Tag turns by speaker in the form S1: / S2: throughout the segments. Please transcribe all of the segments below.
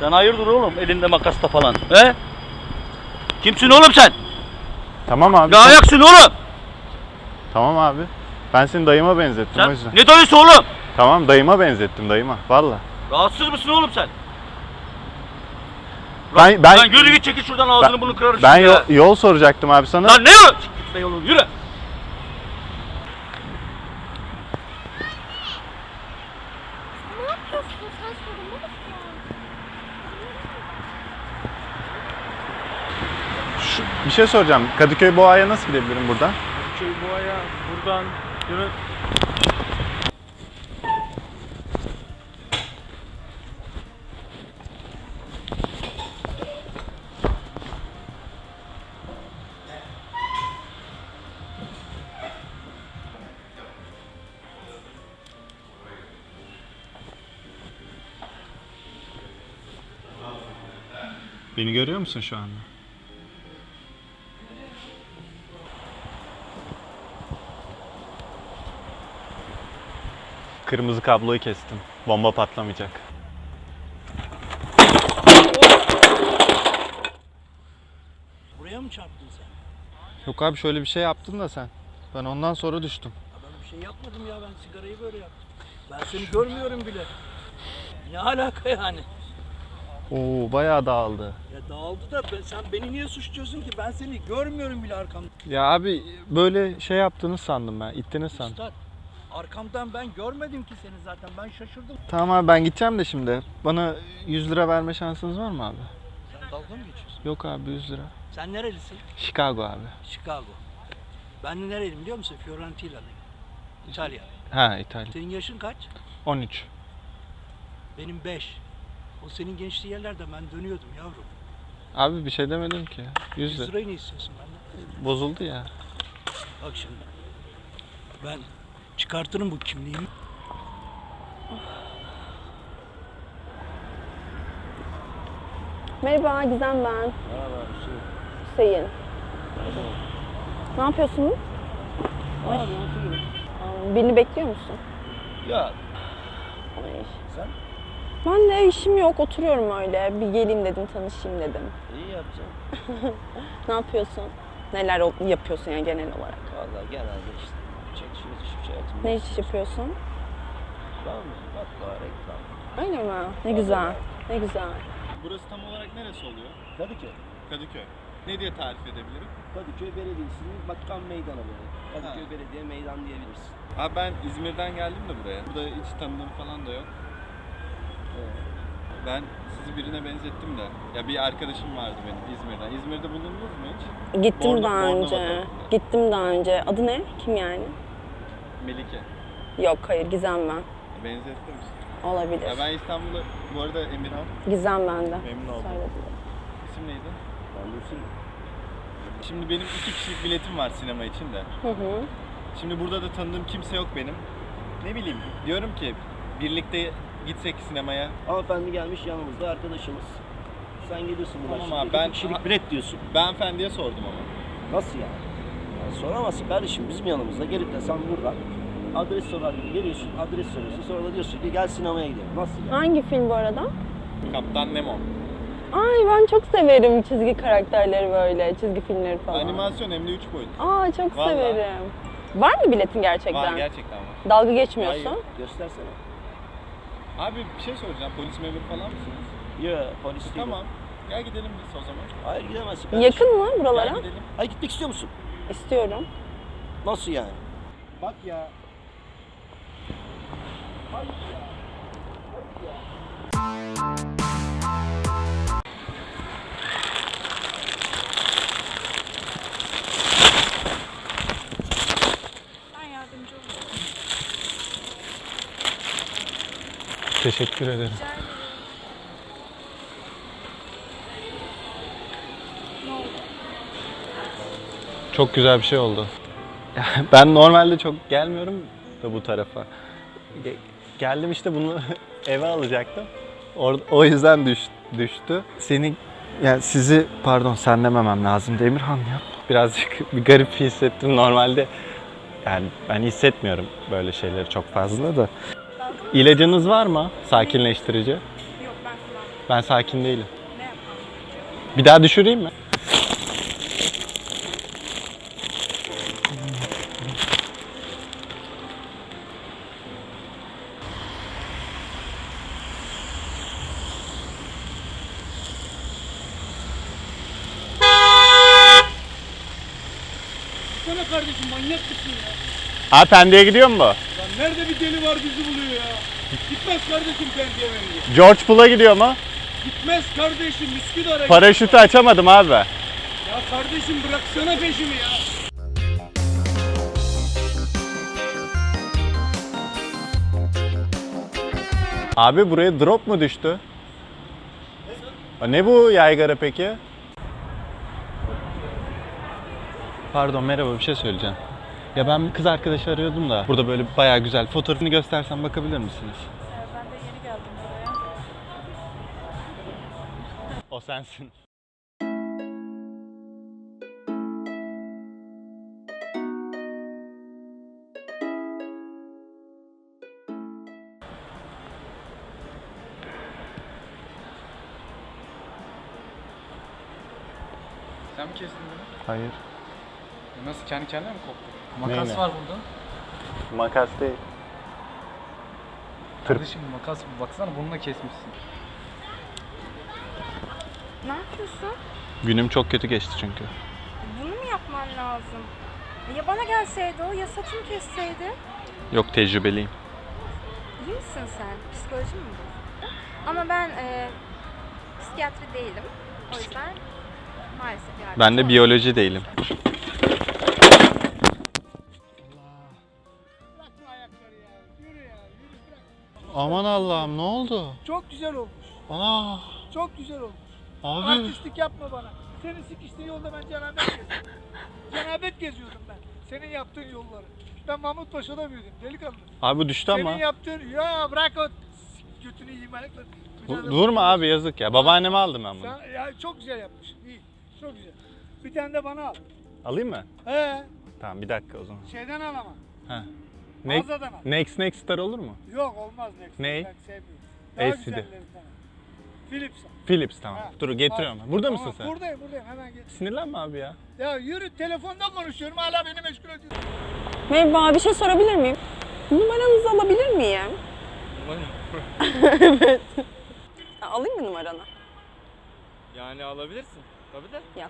S1: Sen hayırdır oğlum elinde makasla falan he? Kimsin oğlum sen?
S2: Tamam abi.
S1: Ne ayaksın oğlum?
S2: Tamam abi. Ben seni dayıma benzettim
S1: Sen
S2: o yüzden.
S1: ne dayısı oğlum?
S2: Tamam dayıma benzettim dayıma. Valla.
S1: Rahatsız mısın oğlum sen?
S2: Ben
S1: yürü git çekil şuradan ağzını bunu kırarım
S2: Ben
S1: şimdi ya.
S2: yol soracaktım abi sana.
S1: Lan ne yol? Gitme yolunu yürü.
S3: Ne yapıyorsun? Sen sorumlu musun?
S2: Bir şey soracağım. Kadıköy Boğa'ya nasıl gidebilirim buradan?
S4: Kadıköy Boğa'ya buradan yürü.
S2: Beni görüyor musun şu anda? Kırmızı kabloyu kestim. Bomba patlamayacak.
S5: Buraya mı çarptın sen?
S2: Yok abi şöyle bir şey yaptın da sen. Ben ondan sonra düştüm.
S5: Ya ben bir şey yapmadım ya, ben sigarayı böyle yaptım. Ben seni görmüyorum bile. Ne alaka yani?
S2: Oo bayağı dağıldı.
S5: Ya dağıldı da sen beni niye suçluyorsun ki? Ben seni görmüyorum bile arkamda.
S2: Ya abi böyle şey yaptığını sandım ben. İttiniz sandım.
S5: Üstad, arkamdan ben görmedim ki seni zaten. Ben şaşırdım.
S2: Tamam abi ben gideceğim de şimdi. Bana 100 lira verme şansınız var mı abi?
S5: Sen dalga mı geçiyorsun?
S2: Yok abi 100 lira.
S5: Sen nerelisin?
S2: Chicago abi.
S5: Chicago. Ben de nereliyim biliyor musun? Fiorentina'lıyım. İtalya.
S2: Ha İtalya.
S5: Senin yaşın kaç?
S2: 13.
S5: Benim 5. O senin gençliği yerlerde ben dönüyordum yavrum.
S2: Abi bir şey demedim ki. 100
S5: 100
S2: lira.
S5: lirayı ne istiyorsun benden?
S2: Bozuldu ya.
S5: Bak şimdi. Ben çıkartırım bu kimliğimi.
S3: Merhaba Gizem ben.
S5: Merhaba
S3: Hüseyin. Ne yapıyorsunuz?
S5: Abi oturuyorum.
S3: Birini bekliyor musun?
S5: Ya
S3: Ay.
S5: sen
S3: Ben de işim yok, oturuyorum öyle. Bir geleyim dedim, tanışayım dedim.
S5: iyi yapacaksın.
S3: Ne yapıyorsun? Neler yapıyorsun yani genel olarak?
S5: Vallahi genelde işte çekişiyoruz hiçbir şey yapmıyoruz.
S3: Ne iş yapıyorsun?
S5: Reklam, matbaa, reklam.
S3: Öyle mi? Ne güzel, ne güzel.
S2: Burası tam olarak neresi oluyor?
S5: Kadıköy.
S2: Kadıköy. Ne diye tarif edebilirim?
S5: Kadıköy Belediyesi'nin Bakan Meydanı böyle. Kadıköy Belediye Meydan diyebilirsin.
S2: Abi ben İzmir'den geldim de buraya. Burada hiç tanıdığım falan da yok. Ben sizi birine benzettim de. Ya bir arkadaşım vardı benim İzmir'den. İzmir'de bulundunuz mu hiç?
S3: Gittim
S2: Bornova
S3: daha önce.
S2: tarafında.
S3: Gittim daha önce. Adı ne? Kim yani?
S2: Melike.
S3: Yok, hayır, Gizem ben.
S2: Benzettim işte.
S3: Olabilir.
S2: Ya ben İstanbul'da, bu arada Emirhan.
S3: Gizem bende.
S2: Memnun oldum.
S3: Söylediler.
S2: İsim neydi?
S5: Ben Dursun.
S2: Şimdi benim 2 kişilik biletim var sinema için de.
S3: Hı hı.
S2: Şimdi burada da tanıdığım kimse yok benim. Ne bileyim, diyorum ki birlikte gitsek sinemaya.
S5: Hanımefendi gelmiş yanımızda arkadaşımız. Sen geliyorsun buna
S2: Tamam
S5: şimdi.
S2: abi, ben-
S5: İki kişilik bilet diyorsun.
S2: Ben hanımefendiye sordum ama.
S5: Nasıl yani? Yani soramazsın kardeşim, bizim yanımızda gelip de sen buradan adres sorar gibi geliyorsun, adres soruyorsun, sonra da diyorsun ki gel sinemaya gidelim. Nasıl yani?
S3: Hangi film bu arada?
S2: Kaptan Nemo.
S3: Ay ben çok severim çizgi karakterleri böyle, çizgi filmleri falan.
S2: Animasyon hem de 3 boyut.
S3: Aa çok
S2: Vallahi.
S3: severim. Var mı biletin gerçekten?
S2: Var, gerçekten var.
S3: Dalga geçmiyorsun.
S2: Hayır.
S5: Göstersene.
S2: Abi bir şey soracağım, polis memuru falan mısınız?
S5: Ya polis değil.
S2: Tamam. Gel gidelim biz o zaman.
S5: Hayır gidemezsin kardeşim.
S3: Yakın mı buralara?
S2: Gel gidelim.
S5: Hayır gitmek istiyor musun?
S3: İstiyorum.
S5: Nasıl yani? Bak ya.
S3: Ben yardımcı olurum.
S2: Teşekkür ederim.
S3: Ne oldu?
S2: Çok güzel bir şey oldu. Ben normalde çok gelmiyorum da bu tarafa. Geldim işte bunu eve alacaktım. O yüzden düştü. Sizi pardon sen dememem lazım Emirhan ya. Birazcık bir garip hissettim normalde. Yani ben hissetmiyorum böyle şeyleri çok fazla da. İlacınız var mı? Sakinleştirici.
S3: Yok ben kullanmıyorum.
S2: Ben sakin değilim. Bir daha düşüreyim mi?
S4: Sana kardeşim manyak mısın ya?
S2: Abi Pendik'e gidiyor mu bu?
S4: Lan nerede bir deli var bizi buluyor ya? Gitmez kardeşim Pendik'e bence.
S2: George Pool'a gidiyor mu?
S4: Gitmez kardeşim Üsküdar'a.
S2: Paraşütü açamadım abi.
S4: Ya kardeşim bıraksana peşimi ya.
S2: Abi buraya drop mu düştü? Ne bu yaygara peki? Pardon merhaba bir şey söyleyeceğim. Ya ben bir kız arkadaşı arıyordum da burada böyle bayağı güzel. Fotoğrafını göstersem bakabilir misiniz?
S6: Ben de yeni geldim buraya.
S2: O sensin.
S7: Sen mi kestin bunu?
S2: Hayır.
S7: Nasıl kendi kendine mi koptu? Makas
S2: Neyle?
S7: var burada.
S2: Makas değil.
S7: Kardeşim makas baksana bununla kesmişsin.
S6: Ne yapıyorsun?
S2: Günüm çok kötü geçti çünkü.
S6: Bunu mu yapman lazım? Ya bana gelseydi o ya saçımı kesseydi?
S2: Yok tecrübeliyim.
S6: İyi misin sen? Psikolojin mi bozuldu? Ama ben psikiyatri değilim. O yüzden maalesef yardımcı
S2: Ben de
S6: olamam.
S2: biyoloji değilim.
S4: Bırakma ayakları ya. Yürü ya. Yürü bırak.
S2: Aman Allah'ım ne oldu?
S4: Çok güzel olmuş.
S2: Aa,
S4: Çok güzel olmuş.
S2: abi.
S4: Artistlik yapma bana. Senin sikiştiğin yolda ben cenabet geziyordum. Cenabet geziyordum ben. Senin yaptığın yolları. Ben Mahmut Paşa'da büyüdüm delikanlı.
S2: Abi bu düştü ama.
S4: Senin yaptığın... Ya bırak o götünü yiyeyim ayakları.
S2: Durma abi yazık ya. Babaanneme aldım ben bunu.
S4: Sen, ya çok güzel yapmışsın. İyi. Çok güzel. Bir tane de bana al.
S2: Alayım mı?
S4: He.
S2: Tamam bir dakika o zaman.
S4: Şeyden al ama.
S2: Ha.
S4: Mağazadan al.
S2: Next Star olur mu?
S4: Yok olmaz Next.
S2: Ne?
S4: Ben sevmiyorum. Daha
S2: LCD.
S4: güzellerinden al. Philips al.
S2: Philips tamam.
S4: Ha.
S2: Dur getiriyorum.
S4: Al.
S2: Burada
S4: Tamam,
S2: mısın sen?
S4: Buradayım hemen gel.
S2: Sinirlenme abi ya.
S4: Ya yürü telefonda konuşuyorum hala beni meşgul ediyorsun.
S3: Merhaba, bir şey sorabilir miyim? Numaranızı alabilir miyim? Evet. Ya, alayım mı numaranı?
S7: Yani alabilirsin. Tabii de.
S3: Yaz.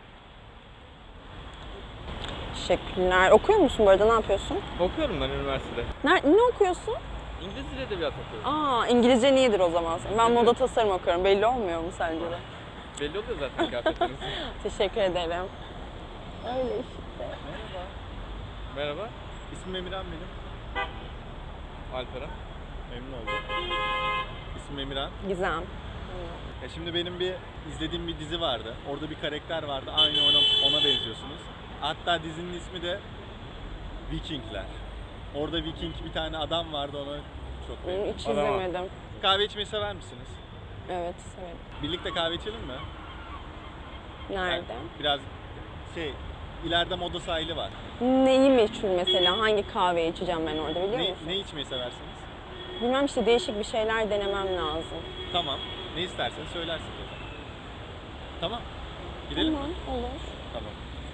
S3: Teşekkürler. Okuyor musun bu arada? Ne yapıyorsun?
S7: Okuyorum ben üniversitede.
S3: Ne okuyorsun?
S7: İngiliz dil edebiyat okuyorum.
S3: Aa, İngilizce iyidir o zaman. Ben moda tasarım okuyorum. Belli olmuyor mu sence de?
S7: Belli oluyor zaten kıyafetleriniz.
S3: Teşekkür ederim. Öyle işte.
S7: Merhaba.
S2: İsmim Emirhan benim.
S7: Alperen.
S2: Memnun oldum. İsmim Emirhan.
S3: Gizem.
S2: Ya şimdi benim bir izlediğim bir dizi vardı. Orada bir karakter vardı. Aynı ona benziyorsunuz. Hatta dizinin ismi de Vikingler. Orada Viking bir tane adam vardı ona çok benziyor.
S3: Hiç izlemedim.
S2: Kahve içmeyi sever misiniz?
S3: Evet, severim.
S2: Birlikte kahve içelim mi?
S3: Nerede?
S2: Yani biraz ileride Moda sahili var.
S3: Neyi meşhur mesela? Hangi kahveyi içeceğim ben orada biliyor musun?
S2: Ne içmeyi seversiniz?
S3: Bilmem işte değişik bir şeyler denemem lazım.
S2: Tamam. Ne isterseniz söylersiniz o zaman. Tamam. Gidelim mi?
S3: Tamam, olur.
S2: Tamam.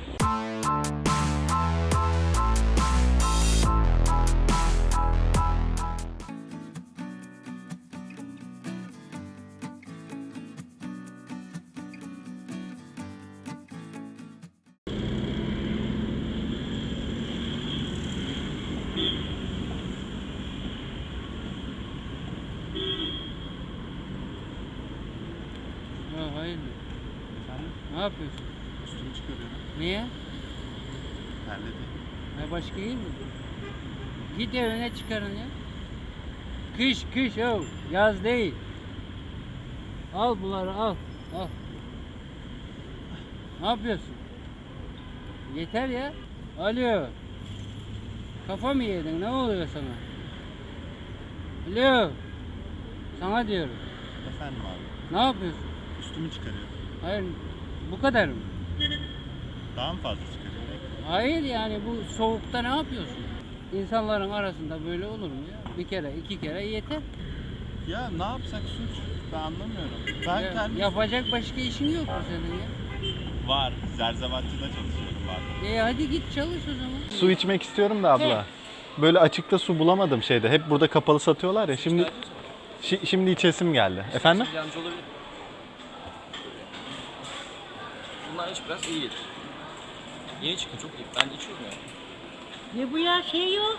S8: Ha, hayır.
S2: Efendim?
S8: Ne yapıyorsun?
S2: Üstümü çıkarıyorum.
S8: Niye?
S2: Terledim.
S8: Ha, başka iyi mi? Git evine çıkarın ya. Kış o. Yaz değil. Al bunları al. Al. Ne yapıyorsun? Yeter ya. Alo. Kafa mı yedin? Ne oluyor sana? Alo. Sana diyorum.
S2: Efendim abi.
S8: Ne yapıyorsun?
S2: Üstümü çıkarıyorum.
S8: Hayır. Bu kadar mı?
S2: Daha mı fazla çıkarıyorum?
S8: Hayır yani bu soğukta ne yapıyorsun? İnsanların arasında böyle olur mu ya? Bir kere, iki kere yeter.
S2: Ya ne yapsak suç? Ben anlamıyorum. Ben
S8: Ya,
S2: kendim...
S8: yapacak başka işin yok mu senin ya?
S2: Var. Zerzavatçıda çalışıyorum bazen.
S8: Hadi git çalış o zaman.
S2: Su içmek istiyorum da abla. Böyle açıkta su bulamadım şeyde. Hep burada kapalı satıyorlar ya. Şimdi içesim geldi. Efendim?
S7: Yardımcı olabilir. Bunlar iç biraz iyi gelir. Yeni çıktı çok iyi. Ben de içiyorum ya.
S9: Ne bu ya şey yok.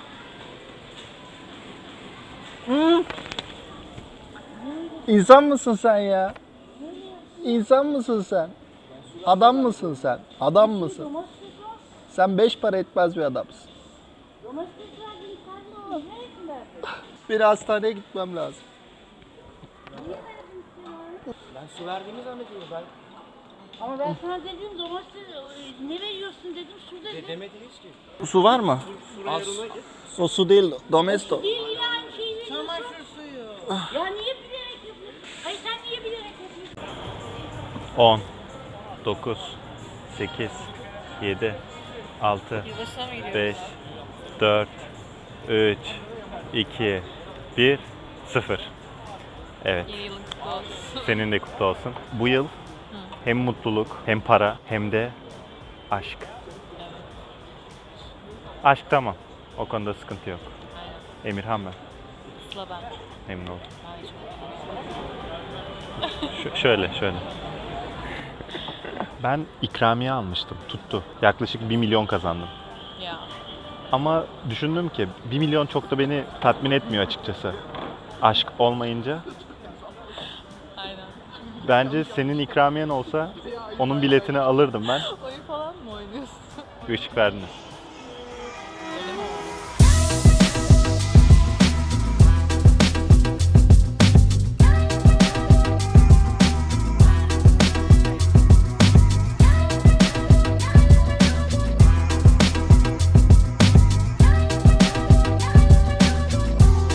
S2: İnsan mısın sen ya? İnsan mısın sen? Adam mısın sen? Adam mısın? Sen 5 para etmez bir adamsın.
S9: Domates verdin sen ne oldu? Neresin verdin?
S2: Bir hastaneye gitmem lazım.
S5: Ben su verdiğimi zannediyorum. Ben
S9: Ama ben sana dedim domates ne veriyorsun dedim su dedim.
S5: demediniz ki.
S2: Su var mı? O su değil, domesto.
S9: Değil yine aynı şeyi veriyorsun. Çamaşır suyu. Ya niye bilerek yapıyorsun? Hayır sen niye bilerek yapıyorsun?
S2: 10, 9, 8, 7, 6, 5, 4, 3, 2, 1, 0. Evet. Senin de kutlu olsun. Bu yıl hem mutluluk, hem para, hem de aşk. Aşk tamam. O konuda sıkıntı yok. Emirhan ben.
S10: Sıla ben.
S2: Memnun oldum.
S10: Ay,
S2: Şöyle. Ben ikramiye almıştım. Tuttu. Yaklaşık 1 milyon kazandım.
S10: ya.
S2: Ama düşündüm ki 1 milyon çok da beni tatmin etmiyor açıkçası. Aşk olmayınca.
S10: Aynen.
S2: Bence senin ikramiyen olsa onun biletini alırdım ben.
S10: Oyun falan mı oynuyorsun?
S2: Bir ışık verdiniz.